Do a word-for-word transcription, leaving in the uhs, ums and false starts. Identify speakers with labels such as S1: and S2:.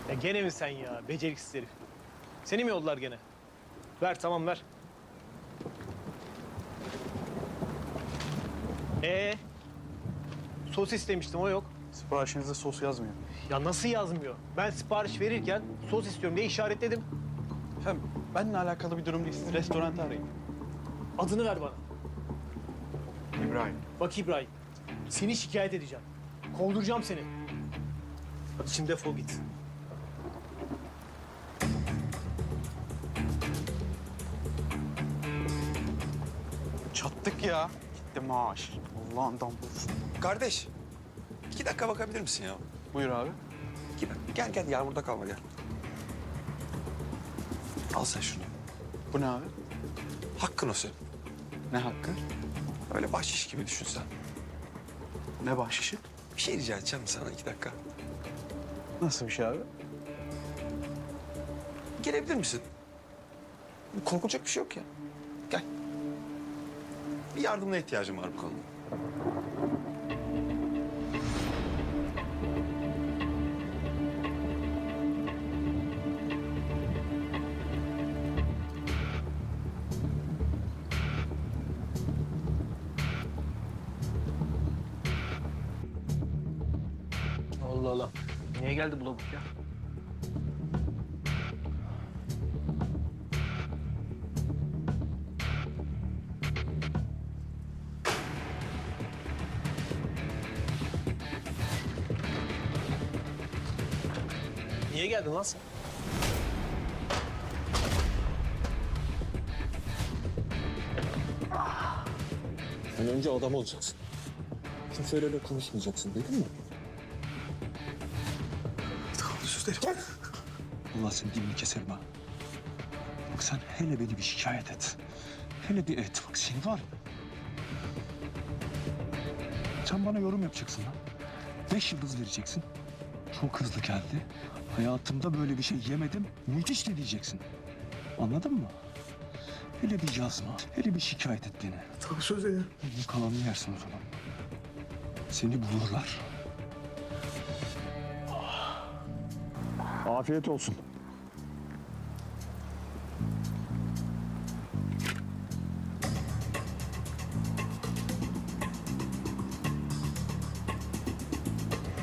S1: Ya gene mi sen ya? Beceriksiz herif. Seni mi yollar gene? Ver tamam ver. Ee, sos istemiştim o yok.
S2: Siparişinizde sos yazmıyor.
S1: Ya nasıl yazmıyor? Ben sipariş verirken sos istiyorum diye işaretledim.
S2: Efendim benimle alakalı bir durum değil. Siz restoranı arayın.
S1: Adını ver bana.
S2: İbrahim.
S1: Bak İbrahim, seni şikayet edeceğim. Kovduracağım seni. Hadi şimdi defol git.
S2: Çattık ya. Gitti maaş. Allah'ından bulsun.
S3: Kardeş, iki dakika bakabilir misin ya?
S2: Buyur abi.
S3: İki dakika. Gel gel, yağmurda kalma gel. Al sen şunu.
S2: Bu ne abi?
S3: Hakkın o senin.
S2: Ne hakkı?
S3: Öyle bahşiş gibi düşün sen.
S2: Ne bahşişi?
S3: Bir şey rica edeceğim sana iki dakika.
S2: Nasıl bir şey abi?
S3: Gelebilir misin? Korkulacak bir şey yok ya. Gel. Bir yardımına ihtiyacım var bu konuda.
S1: Allah Allah. Niye geldi bu lavuk ya? Niye geldin lan sen?
S4: Sen önce adam olacaksın. Kimseyle öyle konuşmayacaksın, duydun mu? Allah senin dilini keserim ha. Bak sen hele beni bir şikayet et. Hele bir et. Bak seni var. Sen bana yorum yapacaksın lan. Beş yıldız vereceksin. Çok hızlı geldi. Hayatımda böyle bir şey yemedim. Müthiş de diyeceksin. Anladın mı? Hele bir yazma. Hele bir şikayet et beni.
S2: Tabii söz ya.
S4: Bu kalanını yersin o zaman. Seni bulurlar. Afiyet olsun.